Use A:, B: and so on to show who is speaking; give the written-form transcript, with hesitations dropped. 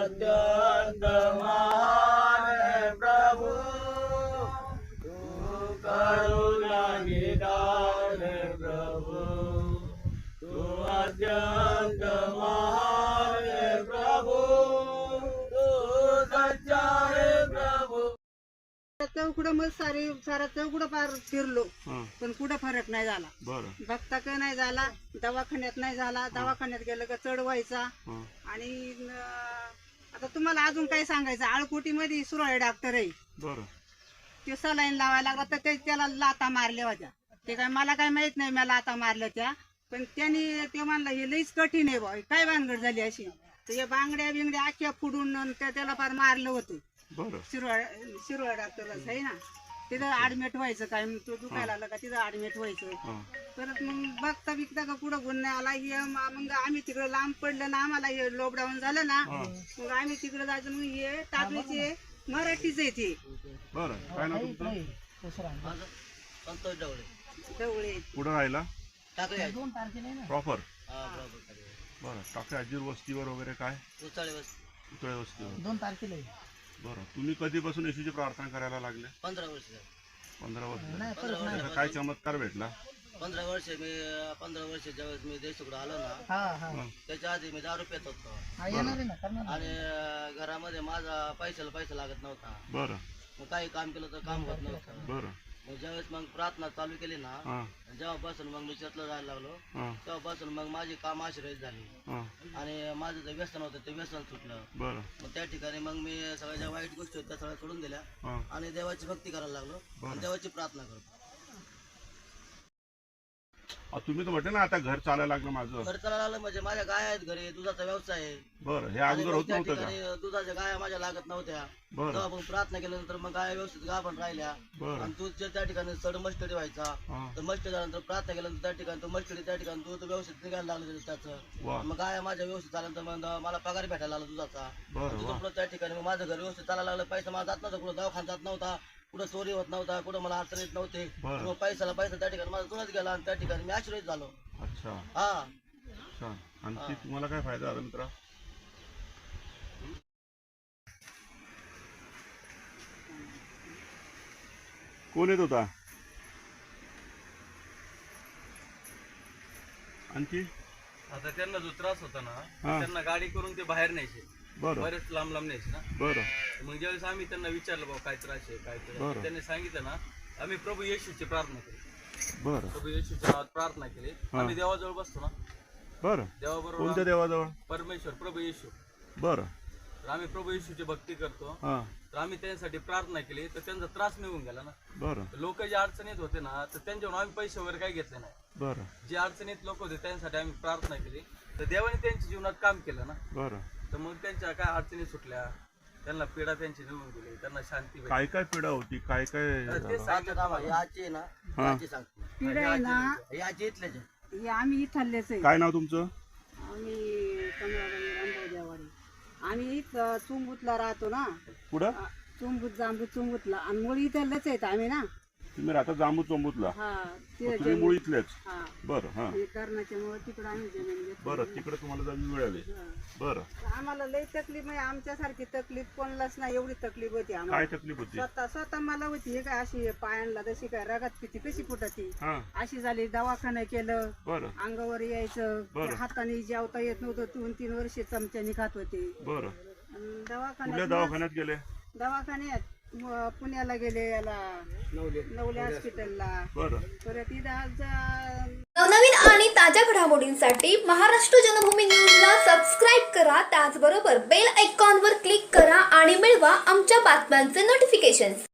A: अत्यंत महान है प्रभु, तू करुणा निदान है प्रभु, तू अत्यंत महान है प्रभु, तू सच्चा है प्रभु।
B: चौकडं मग सारा चौकडं पार फिरलो पण कुठं फरक नाही झाला. बघता का नाही झाला, दवाखान्यात नाही झाला, दवाखान्यात गेलं का चढ व्हायचा. आणि आता तुम्हाला अजून काय सांगायचं, आळकोटी मध्ये सुरळे डॉक्टर आहे, ते सलाईन लावायला लागला तर त्याला लाता मारल्या होत्या. ते काय मला काय माहित नाही, मला लाता मारल्या त्या, पण त्यांनी ते म्हणलं हे लईच कठीण आहे बा, काय भानगड झाली अशी. तर या बांगड्या बिंगड्या आख्या फुडून त्याला फार मारलं होतं. शिरोळ डॉक्टरच आहे ना, तिथं ऍडमिट व्हायचं, काय तो दुखायला लागला का तिथं ऍडमिट व्हायचं. परत मग बघता बिकता का कुठं गुण नाही आला. मग आम्ही तिकडं लांब पडलं ना, आम्हाला हे लॉकडाऊन झालं ना, मग आम्ही तिकडं जायचं. मग हे टाकलीचे मराठीच आहे ते. ढवळे
C: कुठं राहिला
A: टाकले
C: प्रॉपर. बरं, टाकळे आजीर वस्तीवर वगैरे काय
A: उचाळे
C: वस्तीवर
B: 2 तारखेला.
C: बरं, तुम्ही कधीपासून येशूची प्रार्थना करायला लागले?
A: 15 वर्ष
C: 15 वर्ष. काय चमत्कार भेटला?
A: 15 वर्ष मी 15 वर्ष ज्यावेळेस मी देशाकडे आलो ना, त्याच्या आधी मी दारू पेत होतो आणि घरामध्ये माझा पैसा लागत नव्हता.
C: बरं.
A: मग काही काम केलं तर काम होत नव्हतं.
C: बरं.
A: मग ज्यावेळेस मग प्रार्थना चालू केली ना, जेव्हापासून मग मी चर्चला जायला लागलो, तेव्हापासून मग माझी काम आश्रयित झाली आणि माझं जे व्यसन होतं ते व्यसन सुटलं.
C: बरं.
A: मग त्या ठिकाणी मग मी सगळ्या ज्या वाईट गोष्टी होत्या त्या सगळ्या सोडून दिल्या आणि देवाची भक्ती करायला लागलो आणि देवाची प्रार्थना करतो.
C: तुम्ही तर म्हटलं ना आता घर चालायला लागलं माझं.
A: घर चालायला लागलं म्हणजे माझ्या गाय आहेत घरी, दुधाचा व्यवसाय आहे.
C: बरं, हे अगोदर होत नव्हतं का?
A: दुधाच्या गाया माझ्या लागत नव्हत्या. तेव्हा मग प्रार्थना केल्यानंतर मग गाय व्यवस्थित गाभण राहिल्या आणि दूध त्या ठिकाणी चढ मस्टडी व्हायचा. तर मस्टडी झाल्यानंतर प्रार्थना केल्यानंतर त्या ठिकाणी तो मस्टडी त्या ठिकाणी दूध व्यवस्थित निघायला लागलं त्याचं. मग गाय माझ्या व्यवस्थित झाल्यानंतर मग मला पगार भेटायला लागला दुधाचा. तिथून त्या ठिकाणी मग माझं घर व्यवस्थित चालायला लागलं. पैसा मला जात नव्हता, कुठं दवाखाना जात नव्हता, कुठं चोरी होत नव्हता, कुठं मला अडचण येत नव्हते. मग पैसा त्या ठिकाणी माझा जुनाच गेला आणि त्या ठिकाणी मी आश्रयित झालो.
C: अच्छा.
A: हा.
C: आणखी तुम्हाला काय फायदा झाला मित्रा? कोण येत होता आणखी?
D: आता त्यांना जो त्रास होता ना, त्यांना गाडी करून ते बाहेर न्यायचे, बरेच लांब न्यायचे ना.
C: बरं.
D: मग ज्यावेळेस आम्ही त्यांना विचारलं बाबा काय त्रास आहे काय त्रास, त्यांनी सांगितलं ना, आम्ही प्रभू येशूची प्रार्थना केली.
C: बरं.
D: प्रभू येशूच्या नावात प्रार्थना केली. आम्ही देवाजवळ बसतो ना.
C: बरं.
D: देवाबरोबर.
C: कोणत्या देवाजवळ?
D: परमेश्वर, प्रभू येशू.
C: बरं.
D: तर आम्ही प्रभू येशूची भक्ती करतो. तर आम्ही त्यांच्यासाठी प्रार्थना केली तर त्यांचा त्रास निघून गेला ना.
C: बरं.
D: लोक जे अडचणीत होते ना, तर त्यांच्यावर आम्ही पैसे वगैरे काही घेतले नाही.
C: बरं.
D: जे अडचणीत लोक होते त्यांच्यासाठी आम्ही प्रार्थना केली तर देवाने त्यांच्या जीवनात काम केलं ना.
C: बरं.
D: तर मग त्यांच्या काय अडचणी सुटल्या, त्यांना पीडा त्यांची निघून गेली, त्यांना शांती भेटली.
C: काय काय पीडा होती, काय काय
D: ते सांगतो
A: याची आहे ना, याची सांगतो.
B: पिढा आहे ना,
A: याची इथलेच आहे.
B: हे आम्ही इथलेच आहे.
C: काय नाव तुमचं?
B: आम्ही कमळाबाई रामभाऊ देवाडी. आम्ही इथं चुंबूतला राहतो ना.
C: पुढं
B: जांबूत चुंबूतला आणि मुळी इथलेच आहेत आम्ही ना.
C: तुम्ही राहता जांबू चोंबूतला? तुम्ही मूळ इथलेच? बरं. हा.
B: करण्याच्यामुळे तिकडे आम्ही जमीन घेतली.
C: बरं, तिकडे तुम्हाला जमीन मिळाली. बरं.
B: आम्हाला लई तकलीफ आहे, आमच्यासारखी तकलीफ कोणालाच नाही, एवढी तकलीफ होती
C: काय
B: आम्हाला.
C: तकलीफ होती?
B: स्वतः मला होती. हे काय अशी पायांना जशी काय रगत पिती कशी फुटती अशी झाली. दवाखाना केलं, अंगावर यायचं, हाताने जेवता येत नव्हतं. 2-3 वर्ष चमच्याने खात होते.
C: बरं.
B: दवाखान्यात गेले, दवाखान्यात पुण्याला गेले, याला नवले हॉस्पिटलला. परत
E: नवनवीन आणि ताज्या घडामोडींसाठी महाराष्ट्र जनभूमी न्यूजला सबस्क्राईब करा. त्याचबरोबर बेल आयकॉनवर क्लिक करा आणि मिळवा आमच्या बातम्यांचे नोटिफिकेशन्स.